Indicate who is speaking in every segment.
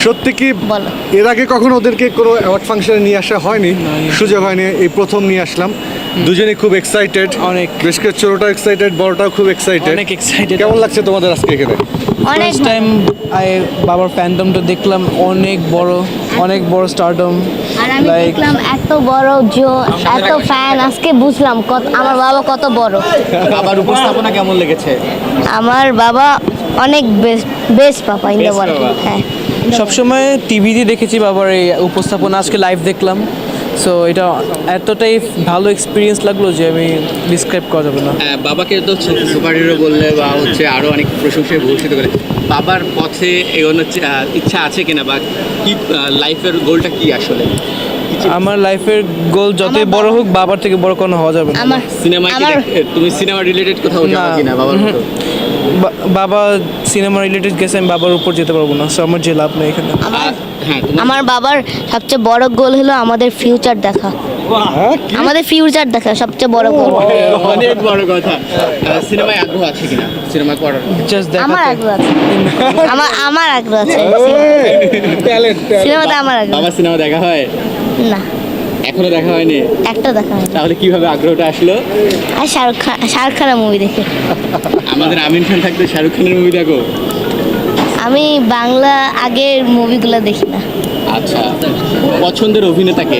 Speaker 1: সত্যি কি
Speaker 2: বলো।
Speaker 1: এর আগে কখনো ওদেরকে কোনো অ্যাওয়ার্ড ফাংশনে নিয়ে আসা হয়নি, সুযোগ হয়নি, এই প্রথম নিয়ে আসলাম। দুজনেই খুব এক্সাইটেড,
Speaker 3: অনেক।
Speaker 1: বেশ করে ছোটটাও এক্সাইটেড, বড়টাও খুব এক্সাইটেড।
Speaker 3: অনেক excited।
Speaker 1: কেমন লাগছে তোমাদের আজকে এখানে?
Speaker 2: অনেক
Speaker 3: ফার্স্ট টাইম বাবার ফ্যান্ডমটা দেখলাম, অনেক বড় স্টারডম।
Speaker 2: আর আমি দেখলাম এত বড় এত ফ্যান, আজকে বুঝলাম আমার বাবা কত বড়।
Speaker 4: বাবার উপস্থাপনা কেমন লেগেছে?
Speaker 2: আমার বাবা অনেক best papa in the
Speaker 4: Best
Speaker 2: world.
Speaker 4: বাবা।
Speaker 2: হ্যাঁ,
Speaker 3: সবসময় টিভিতে দেখেছি বাবার এই উপস্থাপনা, আজকে লাইভ দেখলাম। সো এটা এতটাই ভালো এক্সপিরিয়েন্স লাগলো যে আমি ডিসক্রাইব করা যাবে না।
Speaker 4: বাবাকে তো সুপার হিরো বললে বা হচ্ছে আরো অনেক প্রশংসায় ভূষিত করে, বাবার পথে এগোনোর ইচ্ছা আছে কিনা, বা কি লাইফের গোলটা কি আসলে?
Speaker 3: আমার লাইফের গোল যতই বড় হোক, বাবার থেকে বড় কোনো হওয়া যাবে না।
Speaker 2: আমার
Speaker 4: সিনেমায় তুমি সিনেমা রিলেটেড কোথাও যাবে
Speaker 3: না।
Speaker 4: কিনা বাবার মতো?
Speaker 3: বাবা সিনেমা রিলেটেড গেছে, আমি বাবার উপর যেতে পারবো না। সো আমার যে লাভ নেই এখানে।
Speaker 4: হ্যাঁ,
Speaker 2: আমার বাবার সবচেয়ে বড় গোল হলো আমাদের ফিউচার দেখা।
Speaker 1: হ্যাঁ, কি?
Speaker 2: আমাদের ফিউচার দেখা সবচেয়ে বড় গোল।
Speaker 4: অনেক বড় কথা। সিনেমায় আগ্রহ আছে কিনা, সিনেমা করার?
Speaker 3: জাস্ট
Speaker 2: আমার
Speaker 3: দেখাতে।
Speaker 2: আগ্রহ আছে। আমার আগ্রহ আছে।
Speaker 1: Talent, talent।
Speaker 2: সিনেমাতে আমার আগ্রহ
Speaker 4: বাবা সিনেমা দেখা হয়?
Speaker 2: না,
Speaker 4: এখনো দেখা হয়নি?
Speaker 2: একটা দেখা হয়নি।
Speaker 4: তাহলে কিভাবে আগ্রহটা আসলো?
Speaker 2: আর শাহরুখ খানের মুভি দেখে।
Speaker 4: আমাদের আমিন খান থাকতে শাহরুখ খানের মুভি দেখো?
Speaker 2: আমি বাংলা আগের মুভিগুলো দেখি না।
Speaker 4: আচ্ছা, পছন্দের অভিনেতাকে?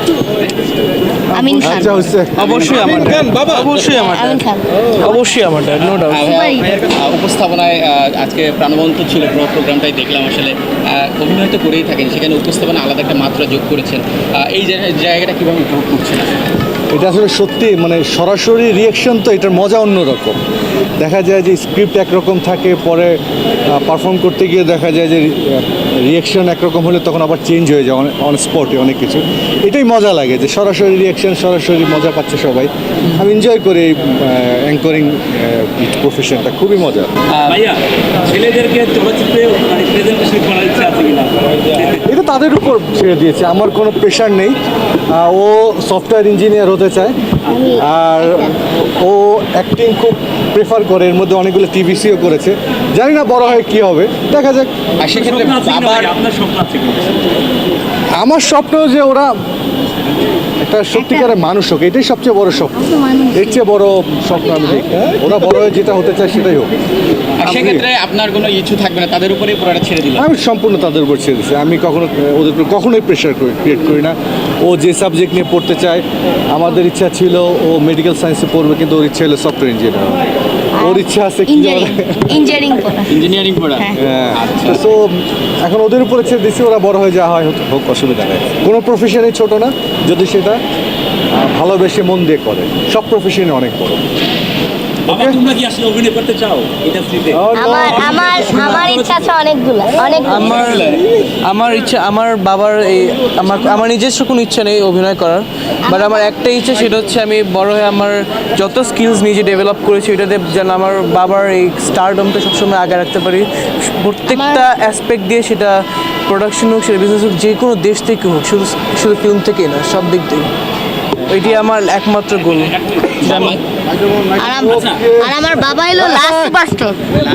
Speaker 2: আমিন খান।
Speaker 1: আচ্ছা, হচ্ছে
Speaker 3: অবশ্যই আমার অবশ্যই আমার
Speaker 2: আমিন খান।
Speaker 3: অবশ্যই আমার নো ডাউট।
Speaker 4: উপস্থাপনায় আজকে প্রাণবন্ত ছিল পুরো প্রোগ্রামটাই দেখলাম। আসলে অভিনয় তো করেই থাকেন, সেখানে উপস্থাপনা আলাদা একটা মাত্রা যোগ করেছেন। এই জায়গাটা কীভাবে উপভোগ করছেন?
Speaker 1: এটা আসলে সত্যি, মানে সরাসরি রিয়েকশন তো এটার মজা অন্যরকম। দেখা যায় যে স্ক্রিপ্ট একরকম থাকে, পরে পারফর্ম করতে গিয়ে দেখা যায় যে রিয়েকশন একরকম হলে তখন আবার চেঞ্জ হয়ে যায় অন স্পটে অনেক কিছু। এটাই মজা লাগে যে সরাসরি রিয়েকশন, সরাসরি মজা পাচ্ছে সবাই। আমি এনজয় করি এই অ্যাঙ্করিং প্রফেশনটা, খুবই মজা।
Speaker 5: ভাইয়া, ছেলেদেরকে চলচ্চিত্রে মানে প্রেজেন্টেশন করার ইচ্ছা আছে কিনা?
Speaker 1: এটা তাদের উপর ছেড়ে দিয়েছে, আমার কোনো প্রেশার নেই। ও সফটওয়্যার ইঞ্জিনিয়ার হতে চায়, আর ও অ্যাক্টিং খুব প্রেফার করে। এর মধ্যে অনেকগুলো টিভিসিও করেছে, জানি না বড় হয় কী হবে, দেখা যাক।
Speaker 4: আর সেক্ষেত্রে
Speaker 5: স্বপ্ন আছে কিনা
Speaker 4: বাবার
Speaker 5: ভাই? আপনার স্বপ্ন আছে কিনা?
Speaker 1: আমার স্বপ্ন যে ওরা একটা সত্যিকারের মানুষ হোক, এটাই সবচেয়ে বড় স্বপ্ন। এর চেয়ে বড় স্বপ্ন আমি দেখি না। ওরা বড় হয়ে যেটা হতে চায় সেটাই হোক।
Speaker 4: আর সেক্ষেত্রে আপনার কোনো ইচ্ছু থাকবে না, তাদের উপরেই পুরোটা ছেড়ে দিলাম?
Speaker 1: আমি সম্পূর্ণ তাদের উপর ছেড়ে দিচ্ছি। আমি ওদের উপর কখনোই প্রেশার ক্রিয়েট করি না। ও যে সাবজেক্ট নিয়ে পড়তে চায়, আমাদের ইচ্ছা ছিল ও মেডিকেল সায়েন্সে পড়বে, কিন্তু ওর ইচ্ছা হলো সফটওয়্যার ইঞ্জিনিয়ার। ওর ইচ্ছা আছে কি
Speaker 2: ইঞ্জিনিয়ারিং পড়া।
Speaker 4: ইঞ্জিনিয়ারিং পড়া?
Speaker 2: হ্যাঁ।
Speaker 1: হ্যাঁ, তো এখন ওদের উপরে ছেড়ে দিচ্ছি, ওরা বড় হয়ে যা হয় হোক, অসুবিধা নেই। কোনো প্রফেশনই ছোট না যদি সেটা ভালোবেসে মন দিয়ে করে। সব প্রফেশনে অনেক বড়।
Speaker 5: বাবা, তোমরা কি আসলে অভিনয় করতে চাও ইন্ডাস্ট্রিতে?
Speaker 2: আমার ইচ্ছা আছে অনেকগুলো।
Speaker 3: আমার ইচ্ছা, আমার বাবার আমার নিজস্ব কোনো ইচ্ছা নেই অভিনয় করার, বাট আমার একটাই ইচ্ছা, সেটা হচ্ছে আমি বড় হয়ে আমার যত স্কিলস নিজে ডেভেলপ করেছি ওইটাতে যেন আমার বাবার এই স্টারডমটা সবসময় আগে রাখতে পারি। প্রত্যেকটা অ্যাসপেক্ট দিয়ে, সেটা প্রোডাকশন হোক, সেটা বিজনেস হোক, যে কোনো দেশ থেকে হোক, শুধু ফিল্ম থেকেই না, সব দিক থেকে। ওইটি আমার একমাত্র গোল।
Speaker 2: আর আমার বাবা হলো লাস্ট সুপারস্টার।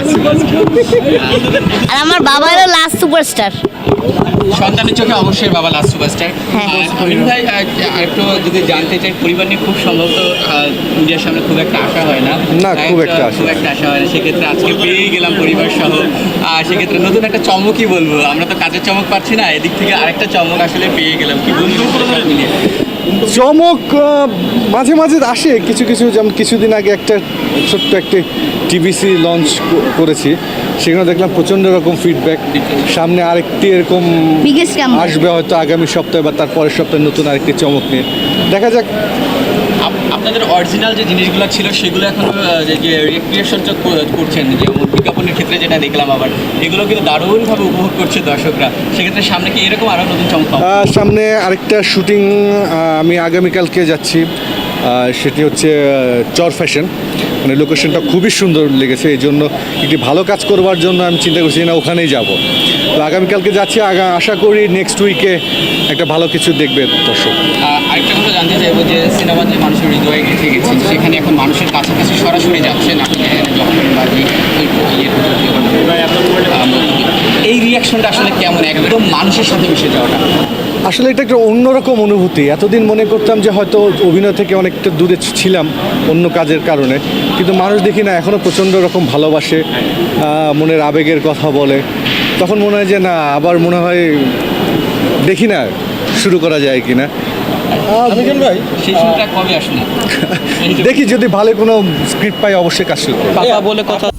Speaker 2: আর আমার বাবা হলো লাস্ট সুপারস্টার।
Speaker 4: সন্তানের চোখে অবশ্যই বাবা লাস্ট সুপারস্টার।
Speaker 2: হ্যাঁ।
Speaker 4: আমিন ভাই, আরেকটু যদি জানতে চাই, পরিবার নিয়ে খুব সম্ভবত মিডিয়ার সামনে খুব একটা আশা হয় না?
Speaker 1: না, খুব একটা আশা
Speaker 4: হয় না। সেক্ষেত্রে আজকে পেয়েই গেলাম পরিবার সহ। সেক্ষেত্রে নতুন একটা চমকই বলবো, আমরা তো কাজের চমক পাচ্ছি না, এদিক থেকে আরেকটা চমক আসলে পেয়ে গেলাম। কি বলবো মিলিয়ে?
Speaker 1: চমক মাঝে মাঝে আসে কিছু কিছু, যেমন কিছুদিন আগে একটা ছোট্ট একটা টিভিসি লঞ্চ করেছি, সেখানে দেখলাম প্রচণ্ড রকম ফিডব্যাক। সামনে আরেকটি এরকম
Speaker 2: Biggest comeback।
Speaker 1: আসবে হয়তো আগামী সপ্তাহে বা তার পরের সপ্তাহে, নতুন আরেকটি চমক নিয়ে। দেখা যাক।
Speaker 4: আপনাদের অরিজিনাল যে জিনিসগুলো ছিল সেগুলো এখন যে রিক্রিয়েশন করছেন, যেমন বিজ্ঞাপনের ক্ষেত্রে যেটা দেখলাম, আবার এগুলো কিন্তু দারুণভাবে উপভোগ করছে দর্শকরা। সেক্ষেত্রে সামনে কি এরকম আরও নতুন চমক পাবো?
Speaker 1: সামনে আরেকটা শুটিং আমি আগামীকালকে যাচ্ছি, সেটি হচ্ছে চর ফ্যাশন। মানে লোকেশনটা খুবই সুন্দর লেগেছে, এই জন্য একটি ভালো কাজ করবার জন্য আমি চিন্তা করছি না ওখানেই যাব। তো আগামীকালকে যাচ্ছি, আশা করি নেক্সট উইকে একটা ভালো কিছু দেখবে দর্শক।
Speaker 4: আরেকটা কথা জানতে চাইবো যে সিনেমা যে মানুষের হৃদয়ে গেঁথে গেছে, সেখানে এখন মানুষের কাছাকাছি সরাসরি যাচ্ছেন আপনি যখন বা এই রিয়াকশনটা আসলে কেমন, একদম মানুষের সাথে মিশে যাওয়াটা?
Speaker 1: আসলে এটা একটা অন্যরকম অনুভূতি। এতদিন মনে করতাম যে হয়তো অভিনয় থেকে অনেকটা দূরে ছিলাম অন্য কাজের কারণে, কিন্তু মানুষ দেখি না এখনও প্রচণ্ড রকম ভালোবাসে, মনের আবেগের কথা বলে। তখন মনে হয় যে না, আবার মনে হয় দেখি না শুরু করা যায় কি না।
Speaker 4: সেই সময়টা কবে আসলে?
Speaker 1: দেখি যদি ভালো কোনো স্ক্রিপ্ট পাই অবশ্যই কাজ শুরু করব।
Speaker 3: পাপা বলে কথা